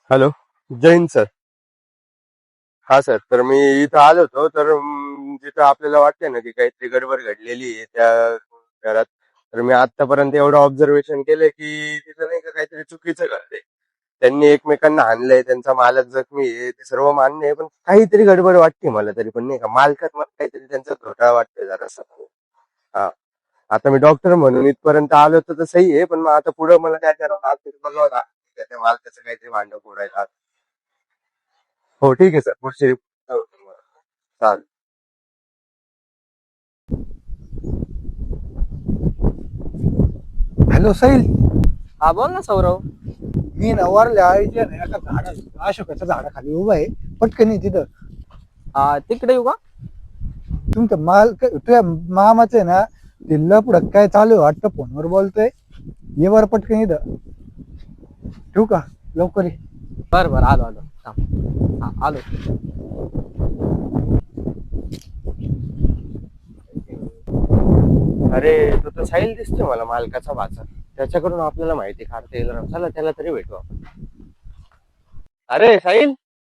Hello. जय हिंद sir. हा सर, तर मी इथं आलो होतो तर जिथं आपल्याला वाटतंय ना की काहीतरी गडबड घडलेली आहे त्या घरात. तर मी आतापर्यंत एवढं ऑब्झर्वेशन केलंय की तिथं नाही का काहीतरी चुकीचं घडलंय. त्यांनी एकमेकांना हाणलंय, त्यांचा मालक जखमी आहे, ते सर्व मान्य आहे, पण काहीतरी गडबड वाटते मला तरी पण नाही का, मालकात मला काहीतरी त्यांचा घोटाळा वाटतोय जरासा. हा. आता मी डॉक्टर म्हणून इथपर्यंत आलो तर सही आहे, पण मग आता पुढे मला काय करावं बघावं लागतं त्या मालकाचं काहीतरी भांडं फोडायला. हो ठीक आहे सर, पुढची रिपोर्ट चालेल. हॅलो साहिल. हा बोल ना सौरव. मी नवारल्या आईच्या ना एका झाडा अशोकाच्या झाडाखाली उभा आहे. पटकन ये तिथं. हा तिकडे येऊ का? तुमचं तुझ्या मामाचं आहे ना, ते लपड काय चालू आहे वाटतं, फोनवर बोलतोय. ये बरं पटकन इथं. ठेवू का? लवकर ये. बर बर आलो आलो थांब. हा आलो. अरे तो तर साहिल दिसतोय मला, मालकाचा भाचा. त्याच्याकडून आपल्याला माहिती काढता येईल राव. चला त्याला तरी भेटू आपण. अरे साहिल,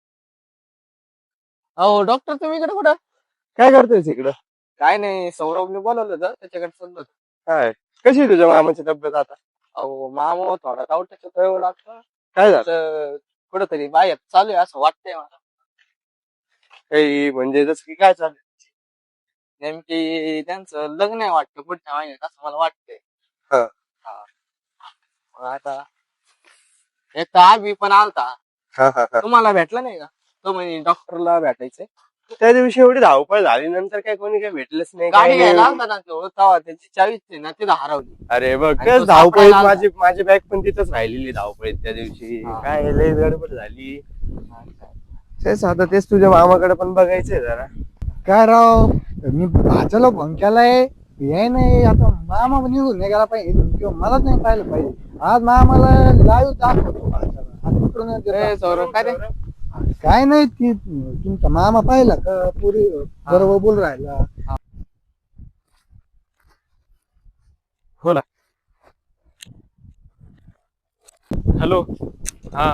अहो डॉक्टर तुम्ही इकडे कुठं? काय करतोयस इकडं? काय नाही, सौरभने बोलवलं होतं त्याच्याकडे चाललो होतो. काय, कशी आहे तुझ्या मामाची तब्येत आता? अहो मामा थोडा तावट्याचं कळवं लागतं. काय झालं? तर कुठंतरी बाहेर चालू आहे असं वाटतंय मला. काही म्हणजे जसं की काय चालू? नेमकी त्यांचं लग्न आहे वाटतं पुढच्या महिन्यात असं मला वाटतंय. हा. हा. मग आता एक तर आम्ही पण आलता. हा हा हा. तुम्हाला भेटला नाही का? तो म्हणे डॉक्टरला भेटायचंय. त्या दिवशी एवढी धावपळ झाली, नंतर काय कोणी काही भेटलंच नाही, काय गाडी घ्यायला नाही. आलता ना तो, तेव्हा त्याची चावीच आहे ना तिथं हरवली. अरे बघ, आणि तेच तो धावपळीत सापडायला माझी माझी बॅग पण तिथंच राहिलेली धावपळीत त्या दिवशी. हा. काय लय गडबड झाली. तेच आता तेच तुझ्या मामाकडे पण बघायचंय जरा. काय राव, मी भाच्याला फोन केलाय. याय नाही. आता मामा पण निघून नाही गेला पाहिजे किंवा मलाच नाही पाहिलं पाहिजे. आज मामाला लाईव्ह दाखवतो भाच्याला. आज इकडून ए, सौरभ काय रे? काय नाही, ती तुमचा मामा पाहिला का पुरी बरोबर बोल राहिला. हो ना. हॅलो. हा.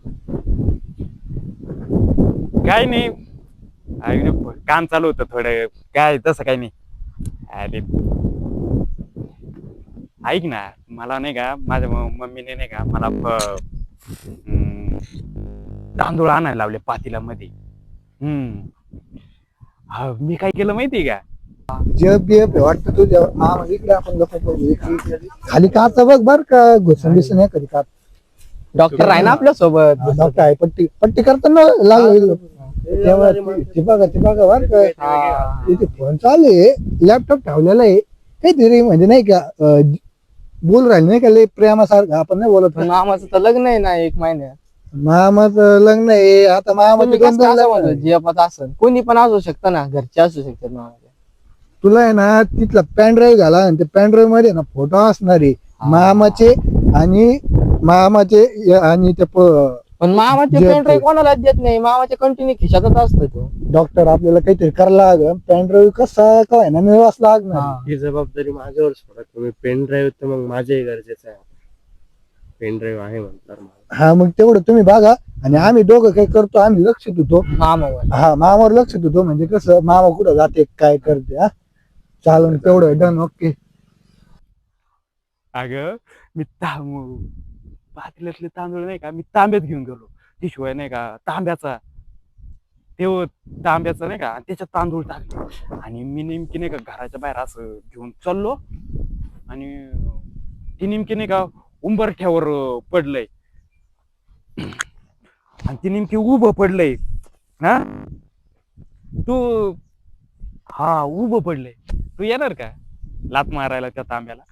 काय नाही, अरे काम चालू होतं थोडं. काय तसं काही नाही. अरे ऐक ना, मला नाही का माझ्या मम्मीने नाही का मला तांदूळ आणायला लावले पातीला मध्ये. हा, मी काय केलं माहितीये का? जब बिब वाटतं तुझ्या मामा इकडे आपण लोक खाली काच बघ बर का, घुसून दिसून नाही कधी काच. डॉक्टर आहे ना आपल्या सोबत. डॉक्टर आहे, पट्टी पट्टी करताना लागलं तेव्हा ती बघा बर का. तिथे फोन चालू आहे, लॅपटॉप ठेवलेला आहे. काहीतरी म्हणजे नाही का, बोल राहिले नाही का लय प्रेमासारखं. आपण नाही बोलत पण का? मामाचं तर लग्न आहे ना 1 महिन्यात. मामाचं लग्न आहे आता. मामाचं तुम्ही दोन कसं दोन असं लग्न म्हणतो, आहे. जे आपण असं कोणी पण असू शकतं ना, घरचे असू शकतात मामाचे. तुला आहे ना तिथला पॅन ड्राईव्ह घाला, आणि त्या पॅन ड्राईव्ह मध्ये ना फोटो असणार आहे मामाचे आणि आणि ते पण मामाचे जे पेन ड्राईव्ह कोणालाच देत नाही. मामाचे कंटिन्यू खिशातच असतो तो. डॉक्टर आपल्याला काहीतरी करायला लागेल. पॅन ड्राईव्ह कसा काय ना मिळवाच लागणार. ही जबाबदारी माझ्यावर सोडा तुम्ही. पेन ड्राईव्ह तर मग माझ्याही गरजेचं आहे. पेन ड्राईव्ह आहे म्हणतात मला. हा, मग तेवढं तुम्ही बघा. आणि आम्ही दोघं काय करतो, आम्ही लक्ष देतो. मामावर. हा, मामावर लक्ष देतो. म्हणजे कसं मामा कुठं जाते काय करते. हा, चालन तेवढं डन. ओके. अगं मी पातेल्यातले तांदूळ नाही का मी तांब्यात घेऊन गेलो. त्याशिवाय नाही का तांब्याचा तांब्याचा नाही का, आणि त्याच्यात तांदूळ टाकले. आणि मी नेमकी नाही का घराच्या बाहेर असं घेऊन चाललो, आणि ती नेमकी नाही का उंबरठ्यावर पडलंय, आणि ती नेमकी उभं पडलंय. हा तू हा उभं पडलंय. तू येणार का लात मारायला त्या तांब्याला?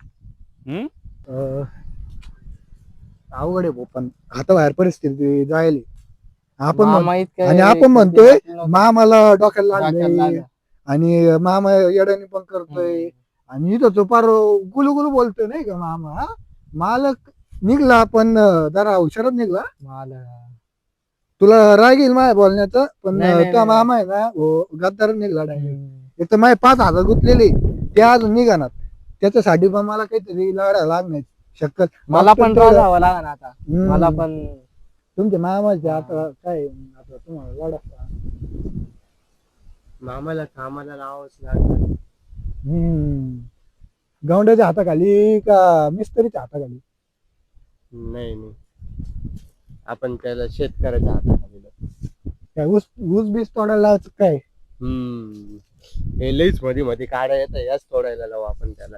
अवघड आहे भाऊ, पण आता बाहेर परिस्थिती जायली. आपण मामा इतकं आणि आपण किती म्हणतोय वाटलं नव्हतं. मामाला डोक्याला डोक्याला लागले, लागलं. आणि मामा येड्याने पण करतोय. आणि इथं तो फार गुलू गुलू बोलतोय नाही का मामा. हा? मालक निघला पण जरा हुशारच निघला. मला तुला राग येईल माझ्या बोलण्याचं, पण नाही, नाही, त्या नाही. मामा आहे ना गद्दार निघला डायरेक्ट. एक तर माझे 5,000 गुंतलेले ते अजून निघाणार. त्याच्यासाठी पण मला काहीतरी लढा लागणार शक्यत. मला पण रागावं लागणार आता. हम्म. मला पण तुमच्या मामाचे आता काय आता तुम्हाला वाढा मामाला कामाला लावावंच लागलं. गौंड्याच्या हाताखाली का मिस्त्रीच्या हाताखाली? नाही नाही, आपण त्याला शेतकऱ्याच्या हाताखाली लावू. काय ऊस ऊस बीस तोडायला लावायचं काय? हे लईच मध्ये मध्ये काढा येतं, याच तोडायला लावू आपण त्याला.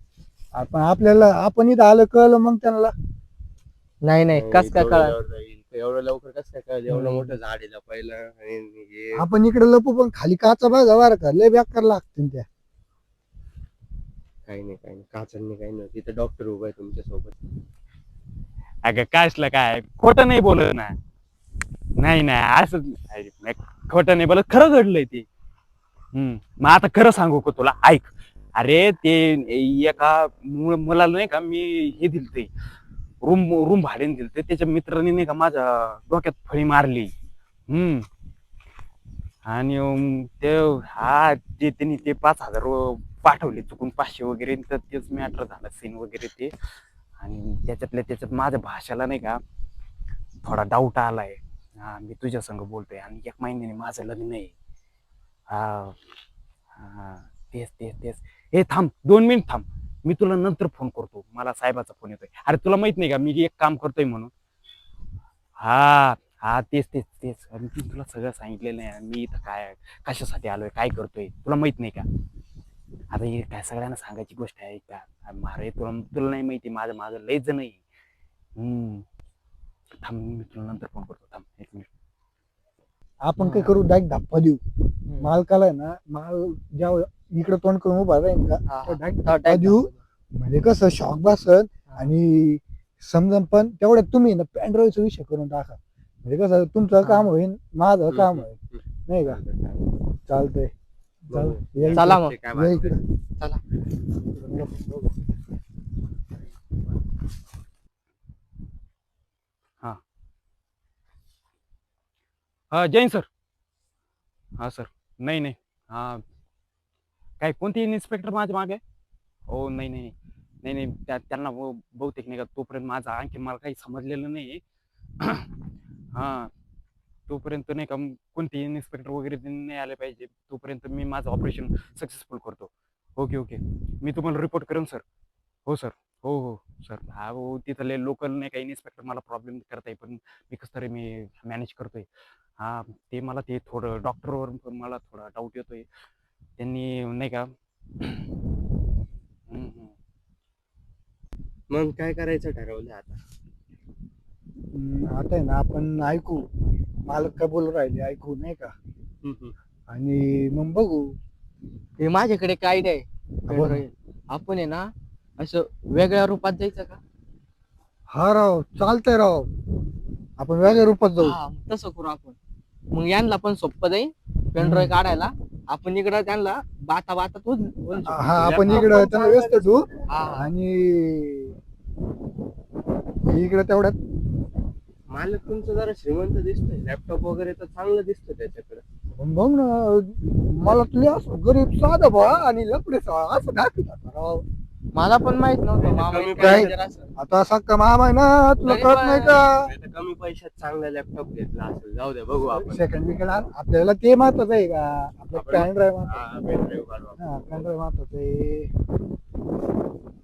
आपण इथं आलं कळलं मग त्यांना. नाही नाही कस काय कळा तेवढ्यावर जाईल. एवढं लवकर कसं काय कळलं? एवढं मोठं झाड आहे पहिलं आणि हे आपण इकडे लपू पण खाली काचा बघा वार का लय बेकार लागतील त्या. काही नाही काचांनी काही नाही. तिथं डॉक्टर उभा आहे तुमच्या सोबत. अगं कायसलं काय खोटं नाही बोलत ना. नाही नाही असं खोटं नाही बोलत, खरं घडलंय ते. मग आता खरं सांगू का तुला, ऐक. अरे ते एका मुलाला नाही का मी हे दिलते, रूम भाड्याने दिलते. त्याच्या मित्राने नाही का माझ्या डोक्यात फळी मारली. आणि ते त्यांनी ते 5,000 पाठवले चुकून, 500 वगैरे. तर तेच मॅटर झालं, सीन वगैरे ते. आणि त्याच्यात माझ्या भाषेला नाही का थोडा डाऊट आलाय. मी तुझ्या संग बोलतोय आणि 1 महिन्याने माझं लग्न आहे. तेच. हे थांब 2 मिनिट थांब, मी तुला नंतर फोन करतो. मला साहेबाचा फोन येतोय. अरे तुला माहित नाही का मी एक काम करतोय म्हणून? तेच. अरे मी तुला सगळं सांगितलेलं आहे. मी इथं काय कशासाठी आलोय, काय करतोय, तुला माहित नाही का? आता हे काय सगळ्यांना सांगायची गोष्ट आहे का? अरे तुला नाही माहिती, माझं लयच जण आहे. थांब, मी तुला नंतर फोन करतो. थांब 1 मिनिट. आपण काय करू, डायरेक्ट धप्पा देऊ मालकाला आहे ना. माल ज्या इकडे तोंड करून उभा राहील का डायरेक्ट धप्पा देऊ. म्हणजे कसं शॉक बसत आणि समजा. पण तेवढ्यात तुम्ही ना पॅन्ड्राईव्हचा विषय करून टाका. म्हणजे कसं तुमचं काम होईल, माझं काम होईल, नाही का? चालतंय. चला मग. या इकडे. चला. जैन सर. सर. नाही. काय कोणती इन्स्पेक्टर माझ्या मागे? हो नाही. त्यांना बहुतेक नाही का तोपर्यंत माझा आणखी मला काही समजलेलं नाही. तोपर्यंत नाही का कोणते इन्स्पेक्टर वगैरे नाही आले पाहिजे, तोपर्यंत मी माझं ऑपरेशन सक्सेसफुल करतो. ओके. मी तुम्हाला रिपोर्ट करेन सर. हो सर. हो सर. तिथले लोकल नाही का इन्स्पेक्टर मला प्रॉब्लेम करताय, पण मी कसं तरी मी मॅनेज करतोय. ते मला ते थोडं डॉक्टरवर मला थोडा डाऊट येतोय. त्यांनी नाही का मग काय करायचं ठरवलं आता? आता आहे ना आपण ऐकू मालक काय बोलू राहिले, ऐकू नाही का? आणि मग बघू. हे माझ्याकडे एक आयडिया आहे. आपण आहे ना असं वेगळ्या रूपात जायचं का? हा राव, चालतंय राव. आपण वेगळ्या रूपात जाऊ. तसं करू आपण. मग यांना पण सोपं जाईल पेनड्राईव्ह काढायला. आपण इकडं त्यांना बाता आपण इकडं त्यांना व्यस्त ठेवू आणि इकडे तेवढ्यात. मालक तुमचं जरा श्रीमंत दिसतोय, लॅपटॉप वगैरे तर चांगलं दिसतं त्याच्याकडे. बघ ना, मला तुला असं गरीब साधा भा आणि लपडे असं दाखवतात राव. मला पण माहित नव्हतं मामा कमी इतका पैशात- danger असं. आता असा कमाम आहे ना, तुला तरी कळत पण- नाही का? नाहीतर कमी पैशात चांगला लॅपटॉप घेतला असेल. जाऊ दे, बघू आपण. सेकंड विकेट आपल्याला ते महत्वाचं आहे का? आपलं आपण- पॅन ड्राईव्ह पेन ड्राईव्ह काढू आपण. पॅन ड्राईव्ह महत्वाचं आहे.